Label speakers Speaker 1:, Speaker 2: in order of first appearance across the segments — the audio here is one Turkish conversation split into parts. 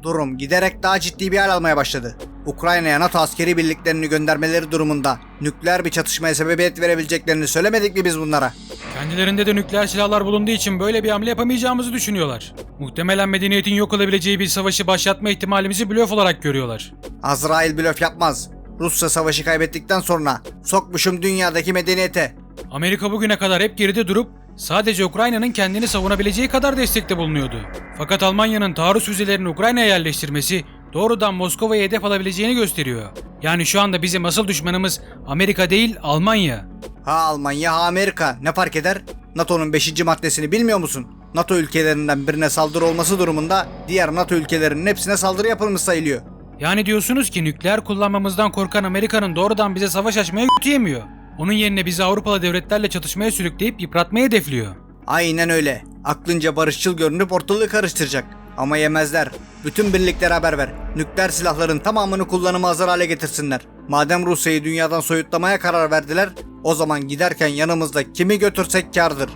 Speaker 1: Durum giderek daha ciddi bir hal almaya başladı. Ukrayna'ya NATO askeri birliklerini göndermeleri durumunda nükleer bir çatışmaya sebebiyet verebileceklerini söylemedik mi biz bunlara?
Speaker 2: Kendilerinde de nükleer silahlar bulunduğu için böyle bir hamle yapamayacağımızı düşünüyorlar. Muhtemelen medeniyetin yok olabileceği bir savaşı başlatma ihtimalimizi blöf olarak görüyorlar.
Speaker 1: Azrail blöf yapmaz. Rusya savaşı kaybettikten sonra sokmuşum dünyadaki medeniyete.
Speaker 2: Amerika bugüne kadar hep geride durup sadece Ukrayna'nın kendini savunabileceği kadar destekte bulunuyordu. Fakat Almanya'nın taarruz füzelerini Ukrayna'ya yerleştirmesi doğrudan Moskova'ya hedef alabileceğini gösteriyor. Yani şu anda bizim asıl düşmanımız Amerika değil, Almanya.
Speaker 1: Ha Almanya ha Amerika ne fark eder? NATO'nun 5. maddesini bilmiyor musun? NATO ülkelerinden birine saldırı olması durumunda diğer NATO ülkelerinin hepsine saldırı yapılmış sayılıyor.
Speaker 2: Yani diyorsunuz ki nükleer kullanmamızdan korkan Amerika'nın doğrudan bize savaş açmaya yetiyemiyor. Onun yerine bizi Avrupalı devletlerle çatışmaya sürükleyip yıpratmaya hedefliyor.
Speaker 1: Aynen öyle. Aklınca barışçıl görünüp ortalığı karıştıracak. Ama yemezler. Bütün birliklere haber ver. Nükleer silahların tamamını kullanıma hazır hale getirsinler. Madem Rusya'yı dünyadan soyutlamaya karar verdiler, o zaman giderken yanımızda kimi götürsek kârdır.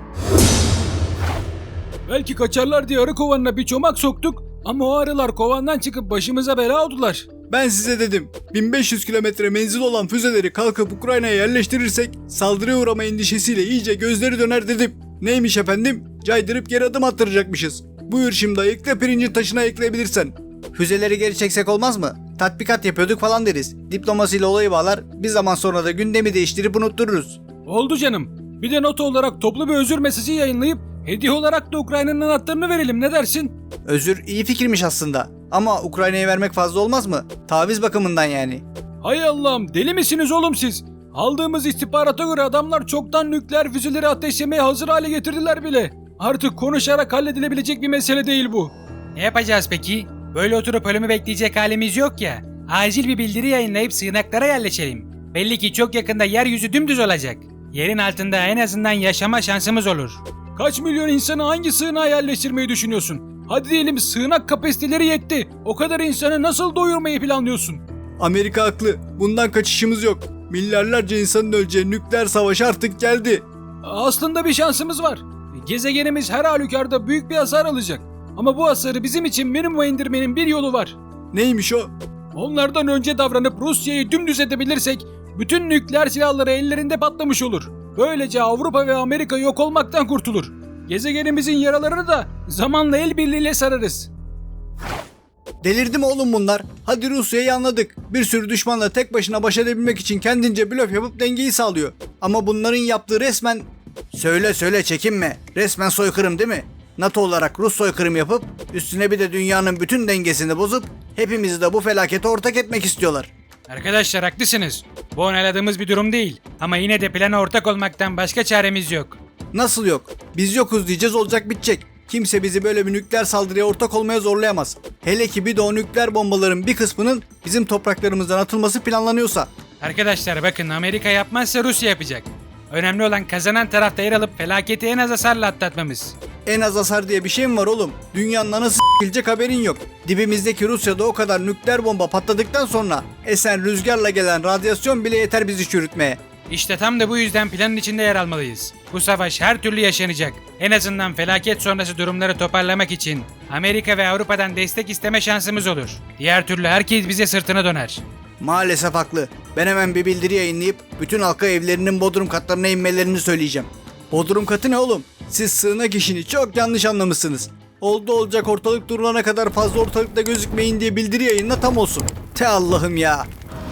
Speaker 2: Belki kaçarlar diye arı kovanına bir çomak soktuk ama o arılar kovandan çıkıp başımıza bela oldular.
Speaker 1: Ben size dedim. 1500 kilometre menzil olan füzeleri kalkıp Ukrayna'ya yerleştirirsek saldırıya uğrama endişesiyle iyice gözleri döner dedim. Neymiş efendim? Caydırıp geri adım attıracakmışız. Buyur şimdi ayıkla pirincin taşına ekleyebilirsen. Füzeleri geri çeksek olmaz mı? Tatbikat yapıyorduk falan deriz. Diplomasiyle olayı bağlar, bir zaman sonra da gündemi değiştirip unuttururuz.
Speaker 2: Oldu canım. Bir de not olarak toplu bir özür mesajı yayınlayıp hediye olarak da Ukrayna'nın anahtarını verelim, ne dersin?
Speaker 1: Özür iyi fikirmiş aslında. Ama Ukrayna'ya vermek fazla olmaz mı? Taviz bakımından yani.
Speaker 2: Hay Allah'ım, deli misiniz oğlum siz? Aldığımız istihbarata göre adamlar çoktan nükleer füzeleri ateşlemeye hazır hale getirdiler bile. Artık konuşarak halledilebilecek bir mesele değil bu. Ne yapacağız peki? Böyle oturup ölümü bekleyecek halimiz yok ya. Acil bir bildiri yayınlayıp sığınaklara yerleşelim. Belli ki çok yakında yeryüzü dümdüz olacak. Yerin altında en azından yaşama şansımız olur. Kaç milyon insanı hangi sığınağa yerleştirmeyi düşünüyorsun? Hadi diyelim sığınak kapasiteleri yetti. O kadar insanı nasıl doyurmayı planlıyorsun?
Speaker 1: Amerika haklı. Bundan kaçışımız yok. Milyarlarca insanın öleceği nükleer savaş artık geldi.
Speaker 2: Aslında bir şansımız var. Gezegenimiz her halükarda büyük bir hasar alacak. Ama bu hasarı bizim için minimuma indirmenin bir yolu var.
Speaker 1: Neymiş o?
Speaker 2: Onlardan önce davranıp Rusya'yı dümdüz edebilirsek bütün nükleer silahları ellerinde patlamış olur. Böylece Avrupa ve Amerika yok olmaktan kurtulur. Gezegenimizin yaralarını da zamanla el birliğiyle sararız.
Speaker 1: Delirdi mi oğlum bunlar? Hadi Rusya'yı anladık. Bir sürü düşmanla tek başına baş edebilmek için kendince blöf yapıp dengeyi sağlıyor. Ama bunların yaptığı resmen... Söyle çekinme. Resmen soykırım değil mi? NATO olarak Rus soykırım yapıp üstüne bir de dünyanın bütün dengesini bozup hepimizi de bu felakete ortak etmek istiyorlar.
Speaker 2: Arkadaşlar haklısınız. Bu onayladığımız bir durum değil. Ama yine de plana ortak olmaktan başka çaremiz yok.
Speaker 1: Nasıl yok? Biz yokuz diyeceğiz, olacak bitecek. Kimse bizi böyle bir nükleer saldırıya ortak olmaya zorlayamaz. Hele ki bir de o nükleer bombaların bir kısmının bizim topraklarımızdan atılması planlanıyorsa.
Speaker 2: Arkadaşlar bakın, Amerika yapmazsa Rusya yapacak. Önemli olan kazanan tarafta yer alıp felaketi en az hasarla atlatmamız.
Speaker 1: En az hasar diye bir şey mi var oğlum? Dünyanın anası s**ilecek haberin yok. Dibimizdeki Rusya'da o kadar nükleer bomba patladıktan sonra esen rüzgarla gelen radyasyon bile yeter bizi çürütmeye.
Speaker 2: İşte tam da bu yüzden planın içinde yer almalıyız. Bu savaş her türlü yaşanacak. En azından felaket sonrası durumları toparlamak için Amerika ve Avrupa'dan destek isteme şansımız olur. Diğer türlü herkes bize sırtını döner.
Speaker 1: Maalesef haklı. Ben hemen bir bildiri yayınlayıp bütün halka evlerinin bodrum katlarına inmelerini söyleyeceğim. Bodrum katı ne oğlum? Siz sığınak işini çok yanlış anlamışsınız. Oldu olacak ortalık durulana kadar fazla ortalıkta gözükmeyin diye bildiri yayınla, tam olsun. Te Allah'ım ya.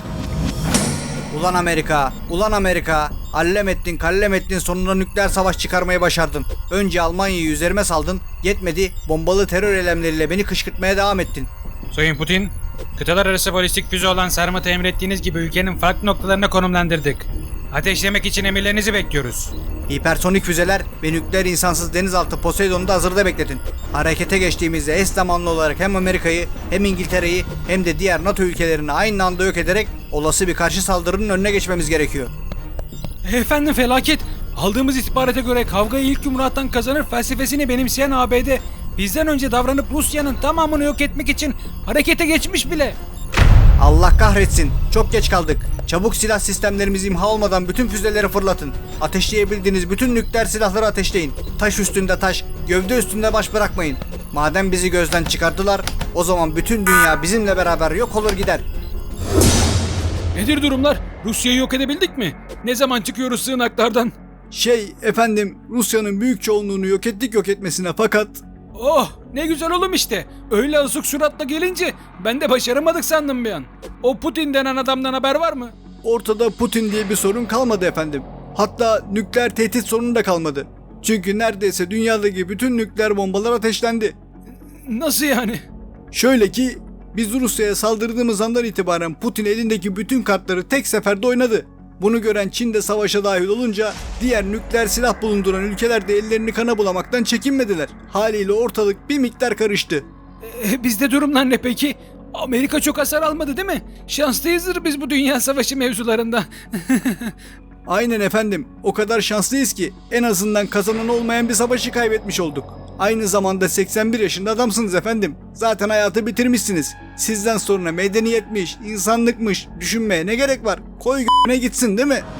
Speaker 1: Ulan Amerika, allem ettin kallem ettin, sonunda nükleer savaş çıkarmayı başardın. Önce Almanya'yı üzerime saldın, yetmedi bombalı terör eylemleriyle beni kışkırtmaya devam ettin.
Speaker 2: Sayın Putin, kıtalar arası balistik füze olan Sarmat'ı emrettiğiniz gibi ülkenin farklı noktalarına konumlandırdık. Ateşlemek için emirlerinizi bekliyoruz.
Speaker 1: Hipersonik füzeler ve nükleer insansız denizaltı Poseidon'u da hazırda bekletin. Harekete geçtiğimizde eş zamanlı olarak hem Amerika'yı hem İngiltere'yi hem de diğer NATO ülkelerini aynı anda yok ederek olası bir karşı saldırının önüne geçmemiz gerekiyor.
Speaker 2: Efendim felaket. Aldığımız istihbarata göre kavgayı ilk yumruğattan kazanır felsefesini benimseyen ABD bizden önce davranıp Rusya'nın tamamını yok etmek için harekete geçmiş bile.
Speaker 1: Allah kahretsin. Çok geç kaldık. Çabuk silah sistemlerimiz imha olmadan bütün füzeleri fırlatın. Ateşleyebildiğiniz bütün nükleer silahları ateşleyin. Taş üstünde taş, gövde üstünde baş bırakmayın.
Speaker 3: Madem bizi gözden çıkarttılar, o zaman bütün dünya bizimle beraber yok olur gider.
Speaker 2: Nedir durumlar? Rusya'yı yok edebildik mi? Ne zaman çıkıyoruz sığınaklardan?
Speaker 1: Efendim, Rusya'nın büyük çoğunluğunu yok etmesine fakat...
Speaker 2: Oh, ne güzel oğlum işte. Öyle asık suratla gelince ben de başaramadık sandım bir an. O Putin denen adamdan haber var mı?
Speaker 1: Ortada Putin diye bir sorun kalmadı efendim. Hatta nükleer tehdit sorunu da kalmadı. Çünkü neredeyse dünyadaki bütün nükleer bombalar ateşlendi.
Speaker 2: Nasıl yani?
Speaker 1: Şöyle ki biz Rusya'ya saldırdığımız andan itibaren Putin elindeki bütün kartları tek seferde oynadı. Bunu gören Çin de savaşa dahil olunca diğer nükleer silah bulunduran ülkeler de ellerini kana bulamaktan çekinmediler. Haliyle ortalık bir miktar karıştı.
Speaker 2: Bizde durumlar ne peki? Amerika çok hasar almadı değil mi? Şanslıyızdır biz bu dünya savaşı mevzularında.
Speaker 1: Aynen efendim. O kadar şanslıyız ki en azından kazanan olmayan bir savaşı kaybetmiş olduk. Aynı zamanda 81 yaşında adamsınız efendim. Zaten hayatı bitirmişsiniz. Sizden sonra medeniyetmiş, insanlıkmış düşünmeye ne gerek var? Koy g***ne gitsin değil mi?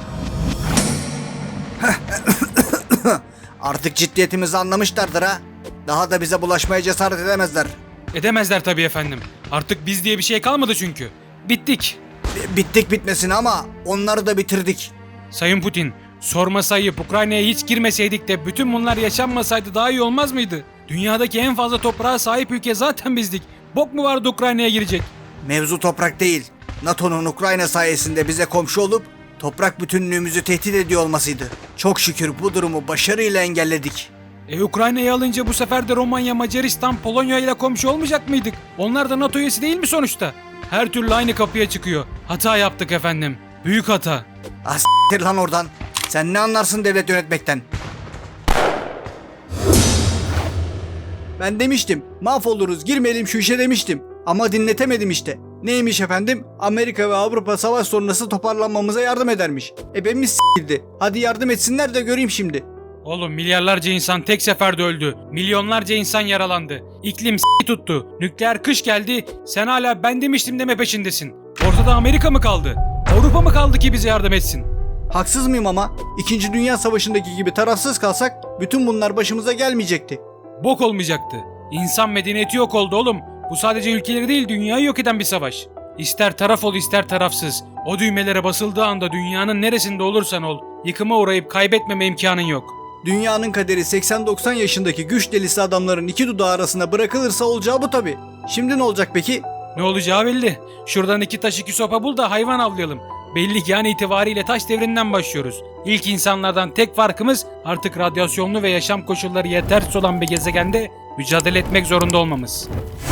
Speaker 3: Artık ciddiyetimizi anlamışlardır ha. Daha da bize bulaşmaya cesaret edemezler.
Speaker 2: Edemezler tabii efendim. Artık biz diye bir şey kalmadı çünkü. Bittik.
Speaker 3: Bittik bitmesine ama onları da bitirdik.
Speaker 2: Sayın Putin, sorma sayıp Ukrayna'ya hiç girmeseydik de bütün bunlar yaşanmasaydı daha iyi olmaz mıydı? Dünyadaki en fazla toprağa sahip ülke zaten bizdik. Bok mu vardı Ukrayna'ya girecek?
Speaker 3: Mevzu toprak değil. NATO'nun Ukrayna sayesinde bize komşu olup toprak bütünlüğümüzü tehdit ediyor olmasıydı. Çok şükür bu durumu başarıyla engelledik.
Speaker 2: Ukrayna'yı alınca bu sefer de Romanya, Macaristan, Polonya ile komşu olmayacak mıydık? Onlar da NATO üyesi değil mi sonuçta? Her türlü aynı kapıya çıkıyor. Hata yaptık efendim. Büyük hata.
Speaker 3: Ah s**tir lan oradan. Sen ne anlarsın devlet yönetmekten?
Speaker 1: Ben demiştim, mahvoluruz, girmeyelim şu işe demiştim. Ama dinletemedim işte. Neymiş efendim? Amerika ve Avrupa savaş sonrası toparlanmamıza yardım edermiş. Ebemiz s**ildi. Hadi yardım etsinler de göreyim şimdi.
Speaker 2: Oğlum milyarlarca insan tek seferde öldü. Milyonlarca insan yaralandı. İklim tuttu. Nükleer kış geldi. Sen hala ben demiştim deme peşindesin. Ortada Amerika mı kaldı? Avrupa mı kaldı ki bize yardım etsin?
Speaker 1: Haksız mıyım ama? İkinci Dünya Savaşı'ndaki gibi tarafsız kalsak bütün bunlar başımıza gelmeyecekti.
Speaker 2: Bok olmayacaktı. İnsan medeniyeti yok oldu oğlum. Bu sadece ülkeleri değil dünyayı yok eden bir savaş. İster taraf ol ister tarafsız. O düğmelere basıldığı anda dünyanın neresinde olursan ol, yıkıma uğrayıp kaybetmeme imkanın yok.
Speaker 1: Dünyanın kaderi 80-90 yaşındaki güç delisi adamların iki dudağı arasına bırakılırsa olacağı bu tabi. Şimdi ne olacak peki?
Speaker 2: Ne olacağı belli. Şuradan 2 taş 2 sopa bul da hayvan avlayalım. Belli ki an itibariyle taş devrinden başlıyoruz. İlk insanlardan tek farkımız artık radyasyonlu ve yaşam koşulları yetersiz olan bir gezegende mücadele etmek zorunda olmamız.